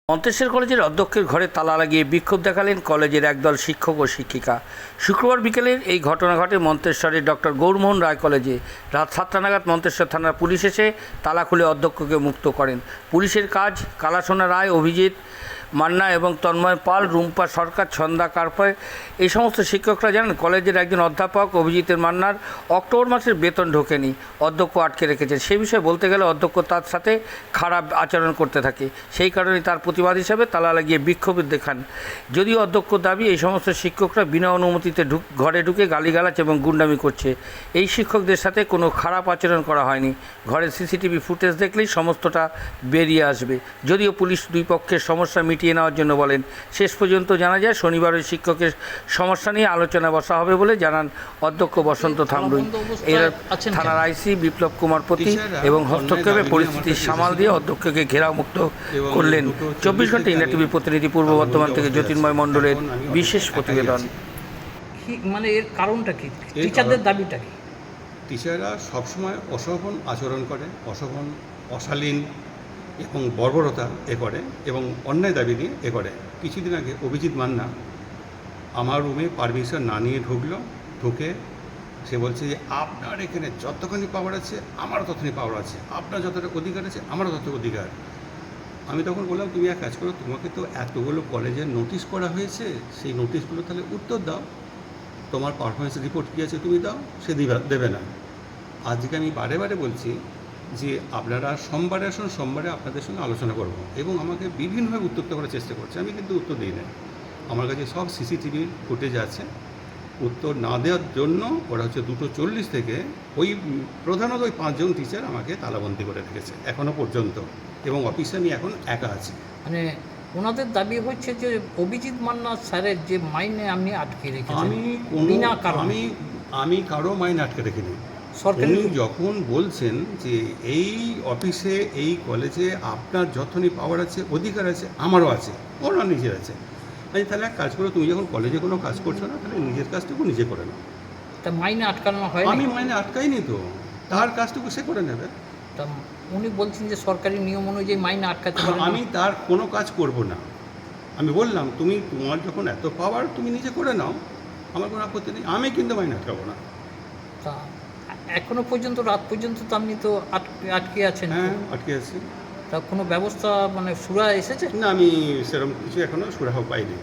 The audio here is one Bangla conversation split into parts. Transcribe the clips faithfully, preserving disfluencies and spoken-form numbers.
মন্তেশ্বর কলেজের অধ্যক্ষের ঘরে তালা লাগিয়ে বিক্ষোভ দেখালেন কলেজের একদল শিক্ষক ও শিক্ষিকা। শুক্রবার বিকেলের এই ঘটনা ঘটে মন্তেশ্বরের ডক্টর গৌরমোহন রায় কলেজে। রাত সাতটা নাগাদ মন্তেশ্বর থানার পুলিশ এসে তালা খুলে অধ্যক্ষকে মুক্ত করেন। পুলিশের কাজ কালাসোনা রায়, অভিজিৎ মান্না এবং তন্ময় পাল, রুম্পা সরকার, ছন্দা কার্পায় এই সমস্ত শিক্ষকরা জানান, কলেজের একজন অধ্যাপক অভিজিতের মান্নার অক্টোবর মাসের বেতন ঢোকেনি, অধ্যক্ষ আটকে রেখেছেন। সেই বিষয়ে বলতে গেলে অধ্যক্ষ তার সাথে খারাপ আচরণ করতে থাকে, সেই কারণে তার প্রতিবাদ হিসাবে তালা লাগিয়ে বিক্ষোভ দেখান। যদিও অধ্যক্ষ দাবি এই সমস্ত শিক্ষকরা বিনা অনুমতিতে ঢুক ঘরে ঢুকে গালিগালাজ এবং গুন্ডামি করছে। এই শিক্ষকদের সাথে কোনো খারাপ আচরণ করা হয়নি, ঘরের সিসিটিভি ফুটেজ দেখলেই সমস্তটা বেরিয়ে আসবে। যদিও পুলিশ দুই পক্ষের সমস্যা মিটিয়ে নেওয়ার জন্য বলেন। শেষ পর্যন্ত জানা যায় শনিবার ওই শিক্ষকের সমস্যা নিয়ে আলোচনা বসা হবে বলে জানান অধ্যক্ষ বসন্ত থামরুই। এর থানার আইসি বিপ্লব কুমার পতি এবং হস্তক্ষেপে পরিস্থিতি সামাল দিয়ে অধ্যক্ষকে ঘেরাওমুক্ত করলেন। চব্বিশ ঘন্টা ইন্ডিয়া টিভির প্রতিনিধি পূর্ব বর্ধমান থেকে জ্যোতির্ময় মণ্ডলের বিশেষ প্রতিবেদন। মানে এর কারণটা কি? টিচারদের দাবিটা কি? টিচাররা সবসময় অশোভন আচরণ করে, অশোভন, অশালীন এবং বর্বরতা এ করে এবং অন্যায় দাবি নিয়ে এ করে। কিছুদিন আগে অভিজিৎ মান্না আমার রুমে পারমিশন না নিয়ে ঢুকলো, ঢুকে সে বলছে যে আপনার এখানে যতখানি পাওয়ার আছে আমারও ততখানি পাওয়ার আছে, আপনার যতটা অধিকার আছে আমারও তত অধিকার। আমি তখন বললাম, তুমি এক কাজ করো, তোমাকে তো এতগুলো কলেজের নোটিশ করা হয়েছে, সেই নোটিশগুলো তাহলে উত্তর দাও, তোমার পারফরমেন্স রিপোর্ট কী আছে তুমি দাও। সে দিবা দেবে না। আজকে আমি বারে বারে বলছি যে আপনারা সোমবারে আসুন, সোমবারে আপনাদের সঙ্গে আলোচনা করব, এবং আমাকে বিভিন্নভাবে উত্তর করার চেষ্টা করছে। আমি কিন্তু উত্তর দিই না। আমার কাছে সব সিসিটিভি ফুটেজ আছে। উত্তর না দেওয়ার জন্য ওরা হচ্ছে দুটো চল্লিশ থেকে ওই প্রধানত ওই পাঁচজন টিচার আমাকে তালাবন্দি করে রেখেছে এখনও পর্যন্ত, এবং অফিসে আমি এখন একা আছি। মানে ওনাদের দাবি হচ্ছে যে অভিজিৎ মান্না স্যারের যে মাইনে আপনি আটকে রেখেছেন। আমি কোনো আমি আমি কারো মাইনে আটকে রেখিনি। উনি যখন বলছেন যে এই অফিসে এই কলেজে আপনার যতখানি পাওয়ার আছে অধিকার আছে আমারও আছে, ওনার নিজের আছে। আমি তাহলে এক কাজ করো, তুমি যখন কলেজে কোনো কাজ করছো না, তাহলে নিজের কাজটুকু নিজে করে নাও। তা মাইনে আটকানো হয়? আমি মাইনে আটকাইনি তো, তার কাজটুকু সে করে নেবে। তা উনি বলছেন যে সরকারি নিয়ম অনুযায়ী মাইনে আটকাতে পারবে। আমি তার কোনো কাজ করব না। আমি বললাম, তুমি তোমার যখন এত পাওয়ার তুমি নিজে করে নাও, আমার কোনো আপত্তি নেই, আমি কিন্তু মাইনে আটকাবো না। তা এখনো পর্যন্ত রাত পর্যন্ত তো আপনি তো আটকে আটকে আছেন। হ্যাঁ, আটকে আছি। তা কোনো ব্যবস্থা মানে সুরা এসেছে না? আমি সেরকম কিছু এখনও সুরাহ পাইনি।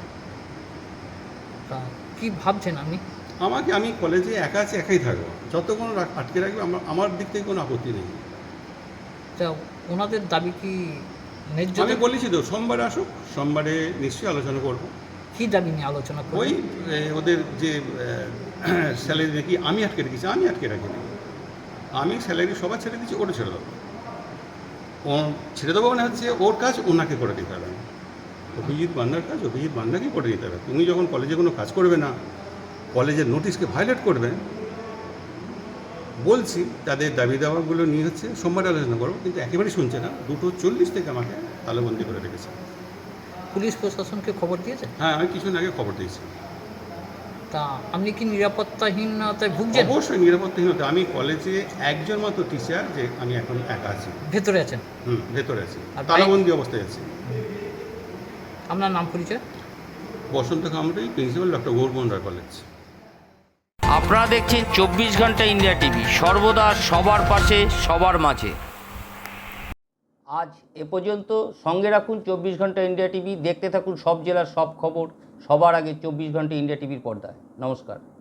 তা কী ভাবছেন আপনি? আমাকে আমি কলেজে একা আছি, একাই থাকবো, যতক্ষণ আটকে রাখবে আমার আমার দিক থেকে কোনো আপত্তি নেই। তা ওনাদের দাবি কি ন্যায্য? আমি বলেছি তো সোমবারে আসুক, সোমবারে নিশ্চয়ই আলোচনা করবো। কী দাবি নিয়ে আলোচনা করব? ওই ওদের যে স্যালারি নাকি আমি আটকে রেখেছি, আমি আটকে রাখিনি। আমি স্যালারি সবার ছেড়ে দিচ্ছি, ওটা ছেড়ে দেবো। ও ছেড়ে দেবো মানে হচ্ছে ওর কাজ ওনাকে করে দিতে হবে। অভিজিৎ মান্নার কাজ অভিজিৎ মান্নাকেই করে দিতে হবে। তুমি যখন কলেজে কোনো কাজ করবে না, কলেজের নোটিশকে ভায়োলেট করবে, বলছি তাদের দাবি দাওয়াগুলো নিয়ে হচ্ছে সোমবার আলোচনা করবো, কিন্তু একেবারেই শুনছে না। দুটো চল্লিশ থেকে আমাকে তালাবন্দি করে রেখেছে। পুলিশ প্রশাসনকে খবর দিয়েছে? হ্যাঁ, আমি কিছুদিন আগে খবর দিয়েছি। তা আপনি কি নিরাপত্তাহীনতায় ভুগছেন? অবশ্যই নিরাপত্তাহীনতা। আমি কলেজে একজন মাত্র টিচার, যে আমি এখন একা আছি, ভেতরে আছেন? হুম, ভেতরে আছি, আর তালাবন্দি অবস্থায় আছি। আপনার নাম পরিচয়? Basanta Kamrui, principal, doctor Gourmohan Roy college. আপনারা দেখছেন চব্বিশ ঘন্টা ইন্ডিয়া টিভি, সর্বদা সবার পাশে, সবার মাঝে। আজ এ পর্যন্ত। সঙ্গে রাখুন চব্বিশ ঘন্টা ইন্ডিয়া টিভি, দেখতে থাকুন সব জেলার সব খবর সবার আগে চব্বিশ ঘন্টা ইন্ডিয়া টিভির পর্দায়। নমস্কার।